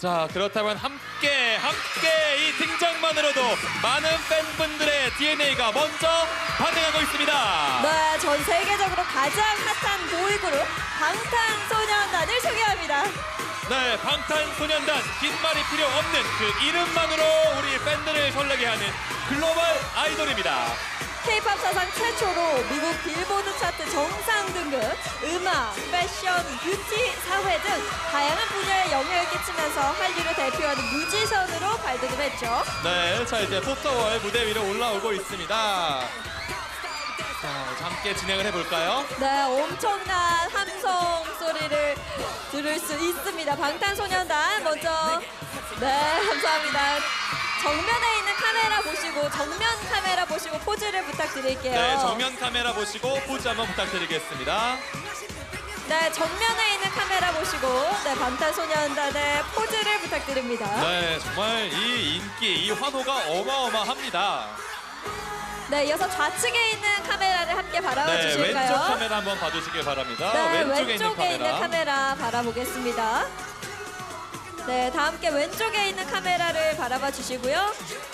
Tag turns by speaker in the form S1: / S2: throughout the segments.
S1: 자, 그렇다면 함께 이 등장만으로도 많은 팬분들의 DNA가 먼저 반응하고 있습니다.
S2: 네, 전 세계적으로 가장 핫한 보이그룹 방탄소년단을 소개합니다.
S1: 네, 방탄소년단 긴 말이 필요 없는 그 이름만으로 우리 팬들을 설레게 하는 글로벌 아이돌입니다.
S2: K-팝 사상 최초로 미국 빌보드 차트 정상 등급, 음악, 패션, 뷰티, 사회 등 다양한 분야에 영향을 끼치면서 한류를 대표하는 뮤지션으로 발돋움 했죠.
S1: 네, 자 이제 포스터월 무대 위로 올라오고 있습니다. 자, 함께 진행을 해볼까요?
S2: 네, 엄청난 함성 소리를 들을 수 있습니다. 방탄소년단 먼저 네, 감사합니다. 정면에 있는 카메라 보시고 정면 카메라 보시고 포즈를 부탁드릴게요.
S1: 네, 정면 카메라 보시고 포즈 한번 부탁드리겠습니다.
S2: 네, 정면에 있는 카메라 보시고 네, 방탄소년단의 포즈를 부탁드립니다.
S1: 네, 정말 이 인기, 이 환호가 어마어마합니다.
S2: 네, 이어서 좌측에 있는 카메라를 함께 바라봐
S1: 네,
S2: 주실까요?
S1: 왼쪽 카메라 한번 봐주시길 바랍니다.
S2: 네,
S1: 왼쪽에 있는 카메라.
S2: 바라보겠습니다. 네, 다 함께 왼쪽에 있는 카메라를 바라봐 주시고요.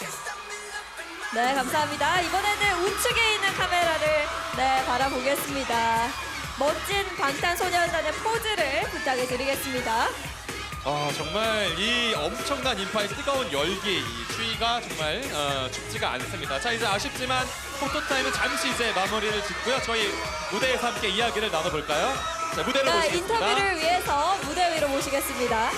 S2: 네, 감사합니다. 이번에는 우측에 있는 카메라를 네, 바라보겠습니다. 멋진 방탄소년단의 포즈를 부탁해 드리겠습니다.
S1: 아, 정말 이 엄청난 인파의 뜨거운 열기, 이 추위가 정말 춥지가 않습니다. 자, 이제 아쉽지만 포토타임은 잠시 이제 마무리를 짓고요. 저희 무대에서 함께 이야기를 나눠볼까요? 자, 무대로
S2: 네,
S1: 모시겠습니다.
S2: 인터뷰를 위해서 무대 위로 모시겠습니다.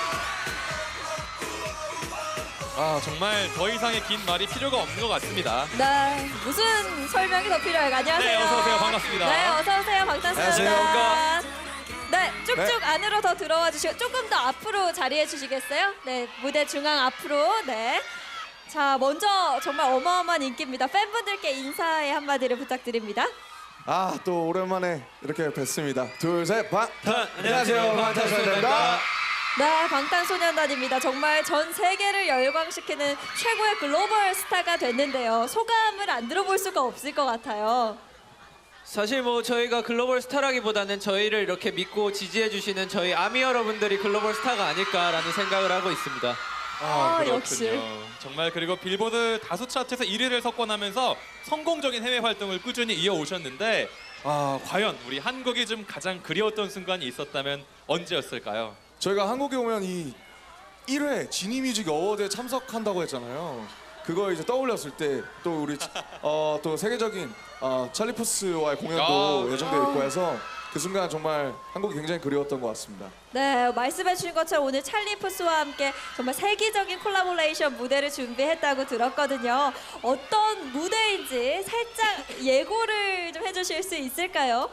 S1: 아, 정말 더 이상의 긴 말이 필요가 없는 것 같습니다.
S2: 네, 무슨 설명이 더 필요할까요? 안녕하세요.
S1: 네, 어서 오세요. 반갑습니다.
S2: 네, 어서 오세요. 방탄소년단.
S1: 안녕하세요.
S2: 네, 쭉쭉 안으로 더 들어와 주시고 조금 더 앞으로 자리해 주시겠어요? 네, 무대 중앙 앞으로. 네. 자, 먼저 정말 어마어마한 인기입니다. 팬분들께 인사의 한마디를 부탁드립니다.
S3: 아, 또 오랜만에 이렇게 뵙습니다. 둘, 셋,
S1: 안녕하세요. 방탄소년단입니다.
S2: 네, 방탄소년단입니다. 정말 전 세계를 열광시키는 최고의 글로벌 스타가 됐는데요. 소감을 안 들어볼 수가 없을 것 같아요.
S4: 사실 뭐 저희가 글로벌 스타라기보다는 저희를 이렇게 믿고 지지해 주시는 저희 아미 여러분들이 글로벌 스타가 아닐까라는 생각을 하고 있습니다.
S1: 아, 그렇군요.
S2: 역시.
S1: 정말 그리고 빌보드 다수 차트에서 1위를 석권하면서 성공적인 해외 활동을 꾸준히 이어오셨는데 과연 우리 한국이 좀 가장 그리웠던 순간이 있었다면 언제였을까요?
S3: 저희가 한국에 오면 이 1회 지니뮤직 어워드에 참석한다고 했잖아요. 그거 이제 떠올렸을 때 또 우리 또 세계적인 찰리 푸스와의 공연도
S1: 아,
S3: 예정되어 있고 해서 그 순간 정말 한국이 굉장히 그리웠던 것 같습니다.
S2: 네, 말씀해 주신 것처럼 오늘 찰리 푸스와 함께 정말 세계적인 콜라보레이션 무대를 준비했다고 들었거든요. 어떤 무대인지 살짝 예고를 좀 해주실 수 있을까요?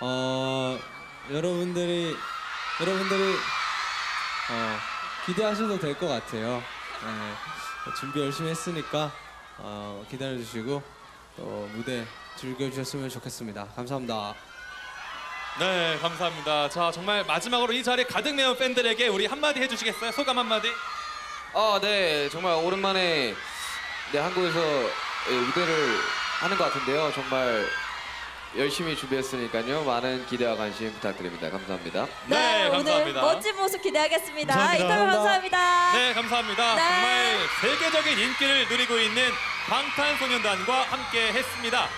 S5: 여러분들이 기대하셔도 될 것 같아요. 네, 준비 열심히 했으니까 기다려주시고 또 무대 즐겨주셨으면 좋겠습니다. 감사합니다.
S1: 네, 감사합니다. 자, 정말 마지막으로 이 자리에 가득 메운 팬들에게 우리 한마디 해주시겠어요? 소감 한마디?
S4: 네, 정말 오랜만에 한국에서 무대를 하는 것 같은데요. 정말 열심히 준비했으니까요. 많은 기대와 관심 부탁드립니다. 감사합니다.
S1: 네,
S2: 오늘
S1: 감사합니다.
S2: 멋진 모습 기대하겠습니다.
S5: 감사합니다.
S2: 인터뷰 감사합니다.
S1: 네, 감사합니다.
S2: 네.
S1: 정말 세계적인 인기를 누리고 있는 방탄소년단과 함께 했습니다.